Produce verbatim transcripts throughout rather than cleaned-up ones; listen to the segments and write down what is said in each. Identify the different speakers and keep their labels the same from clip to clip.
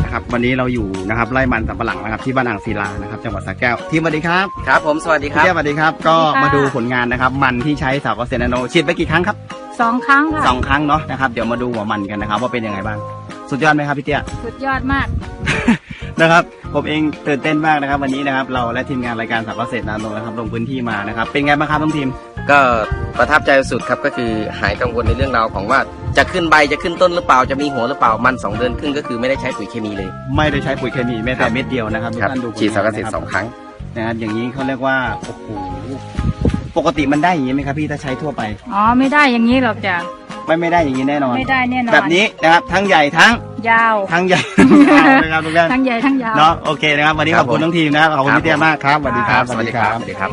Speaker 1: นะครับวันนี้เราอยู่นะครับไร่มันสำปะหลังนะครับที่บ้านอ่างศิลานะครับจังหวัดสระแก้วทีมสวัสดีครับ
Speaker 2: ครับผมสวัสดีครับ
Speaker 1: พี่สวัสดีครับก็มาดูผลงานนะครับมันที่ใช้สาวเกษตรนาโนฉีดไปกี่ครั้งครับ
Speaker 3: สองครั้งค่ะ
Speaker 1: สองครั้งเนาะนะครับเดี๋ยวมาดูหัวมันกันนะครับว่าเป็นยังไงบ้างสุดยอดไหมครับพี่เตี้ย
Speaker 3: สุดยอดมาก
Speaker 1: นะครับผมเองตื่นเต้นมากนะครับวันนี้นะครับเราและทีมงานรายการสาวเกษตรนาโนนะครับลงพื้นที่มานะครับเป็นไงบ้างครับทั้งทีม
Speaker 2: ก็ประทับใจสุดครับก็คือหายกังวลในเรื่องราวของว่าจะขึ้นใบจะขึ้นต้นหรือเปล่าจะมีหัวหรือเปล่ามันสองเดือนครึ่งก็คือไม่ได้ใช้ปุ๋ยเคมีเลย
Speaker 1: ไม่ได้ใช้ปุ๋ยเคมีแม้แต่เม็ดเดียวนะครับทุกท่านดู
Speaker 2: ฉีดสารเกษตรสองครั้ง
Speaker 1: นะครับอย่างนี้เขาเรียกว่าโอ้โหปกติมันได้อย่างนี้ไหมครับพี่ถ้าใช้ทั่วไป
Speaker 3: อ๋อไม่ได้อย่างนี้หรอกจ้ะ
Speaker 1: ไม่ไม่ได้อย่างนี้แน่นอน
Speaker 3: ไม่ได้แน่นอน
Speaker 1: แบบนี้นะครับทั้งใหญ่ทั้ง
Speaker 3: ยาว
Speaker 1: ทั้งใหญ่ทั้งยาวนะครับทุกท่าน
Speaker 3: ทั้งใหญ่ทั้งยาว
Speaker 1: เนาะโอเคนะครับวันนี้ขอบคุณทั้งทีมนะครับขอบคุณพี่เตี้ยมากครับสวัสดีครับ
Speaker 2: สวัสดีครับสวัสดีครับ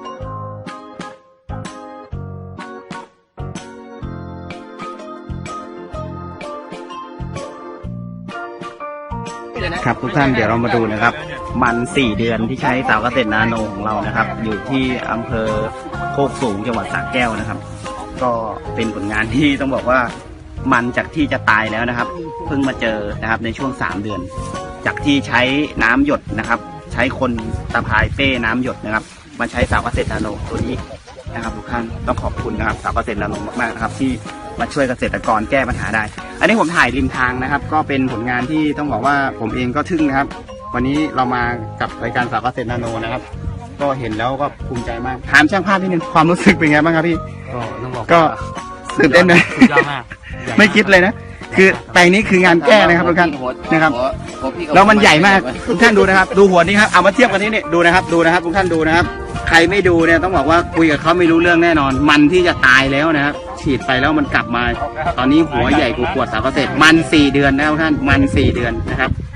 Speaker 1: ครับทุกท่านเดี๋ยวเรามาดูนะครับมันสี่เดือนที่ใช้สาวเกษตรนาโนของเรานะครับอยู่ที่อำเภอโคกสูงจังหวัดสระแก้วนะครับก็เป็นผลงานที่ต้องบอกว่ามันจากที่จะตายแล้วนะครับเพิ่งมาเจอนะครับในช่วงสามเดือนจากที่ใช้น้ำหยดนะครับใช้คนตะพายเป้น้ำหยดนะครับมาใช้สาวเกษตรนาโนตัวนี้นะครับทุกท่านต้องขอบคุณนะครับสาวเกษตรนาโนมากๆนะครับที่มาช่วยเกษตรกรแก้ปัญหาได้อันนี้ผมถ่ายริมทางนะครับก็เป็นผลงานที่ต้องบอกว่าผมเองก็ทึ่งนะครับวันนี้เรามากับรายการสาวเกษตรนาโนนะครับก็เห็นแล้วก็ภูมิใจมากถามช่างภาพนิดนึงความรู้สึกเป็นไงบ้างครับพี่
Speaker 4: ก็ต้องบอก
Speaker 1: ก็ตื่นเต้นเลยไม่คิดเลยนะคือแปลงนี้คืองานแก้นะครับทุกท่านนะครับแล้วมันใหญ่มากทุกท่านดูนะครับดูหัวนี้ครับเอามาเทียบกันนี้นี่ดูนะครับดูนะครับทุกท่านดูนะครับใครไม่ดูเนี่ยต้องบอกว่าคุยกับเขาไม่รู้เรื่องแน่นอนมันที่จะตายแล้วนะครับฉีดไปแล้วมันกลับมาตอนนี้หัวใหญ่กว่าขวดสาวเกษตรมันสี่เดือนแล้วท่านมันสี่เดือนนะครับ